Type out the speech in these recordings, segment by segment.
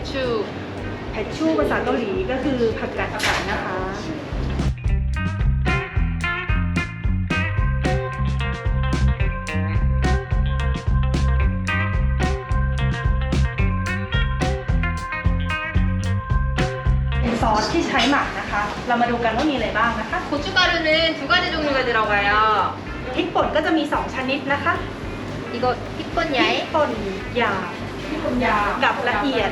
แพชชูภาษาเกาหลีก็คือผักกาดขาวนะคะซอสที่ใช้หมักนะคะ เรามาดูกันว่ามีอะไรบ้างนะคะ 고춧가루는 2가지 종류가 들어가요. พริกป่นก็จะมี 2 ชนิดนะคะ 이거 핏본 พริก 야에 ป่นหยาบกับละเอียด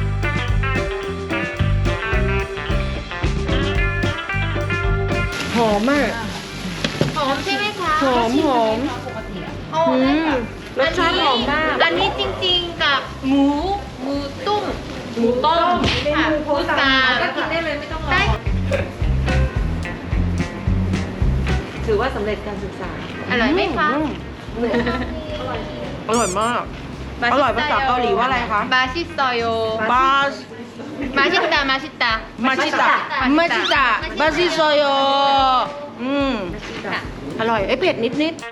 หอมอ่ะหอมใช่ไหมคะหอมอ๋ออรสชาติหอมมากอันนี้จริงๆกับหมูต้มหมูต้มค่ะเมนูโพพุสต์ทราก็ก็กิกินนได้ได้เลเลย ยไม่ไม่ต้ต้ออง งรอได้ถือว่าสำเร็จการศึกษาอร่อยไหมคะอร่อยมาก อร่อยภาษาเกาหลีว่าอะไรคะ 맛있어요. บาส 맛있다, 맛있다. มาชิตะมาชิตะบาซิโซโยอร่อยเผ็ดนิด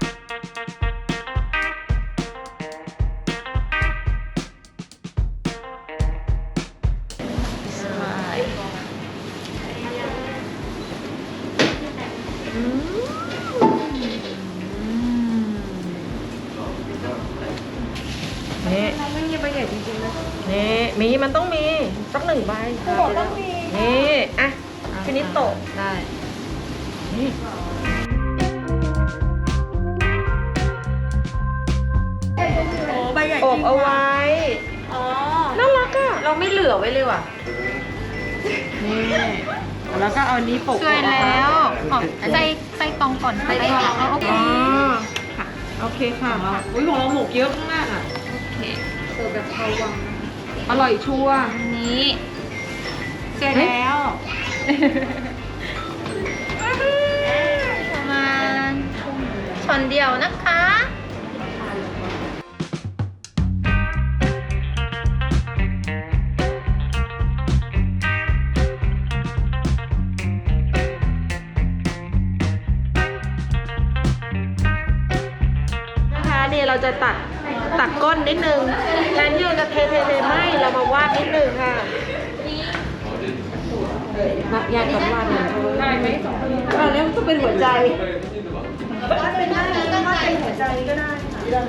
นี่ไม่มีใบใหญ่จริงๆนะนี่มันต้องมีสัก1 ใบต้องมีนี่อ่ะฟินิโตะได้นี่โอ้ใบใหญ่จอริบงเอาไว้อ๋อน่ารักอ่ะ เราไม่เหลือไว้เลยว่ะ นี่แล้วก็เอานี้ปกสวยแล้วใส่ตองก่อนใส่ตองโอเคอ๋อโอเคค่ะอุ้ยของเราหมกเยอะมากอ่ะโอเคเสิร์ฟแบบชาววังอร่อยชัวร์อันนี้สวยแล้วประมาณช้อนเดียวนะคะนะคะนี่เราจะตักก้นนิดนึงแทนที่เราจะเทไม่เรามาวาดนิดนึงค่ะอยากกับวาดได้ไหมแล้วก็เป็นหัวใจวาดเป็นได้ก็วาดเป็นหัวใจก็ได้ค่ะ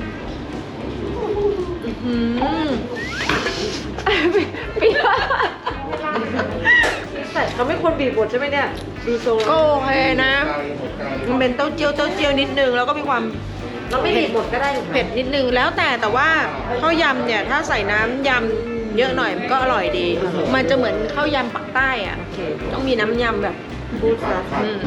แต่เขาไม่ควรบีบบดใช่ไหมเนี่ยดูทรงก็โอเคนะ มันเป็นเต้าเจี้ยวนิดนึงแล้วก็มีความเราไม่บีบบดก็ได้เผ็ดนิดนึงแล้วแต่ว่าข้าวยำเนี่ยถ้าใส่น้ำยำเยอะหน่อยมันก็อร่อยดี มันจะเหมือนข้าวยำปักใต้อ่ะต้องมีน้ำยำแบบพูดซะ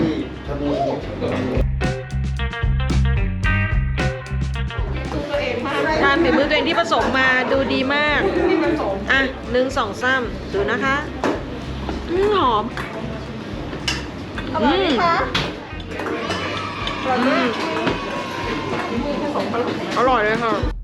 ทานฝีมือตัวเองที่ผสมมาดูดีมากอ่ะ1 2 3ดูนะคะหอมอร่อยไหมคะอร่อยมากอร่อยเลยค่ะ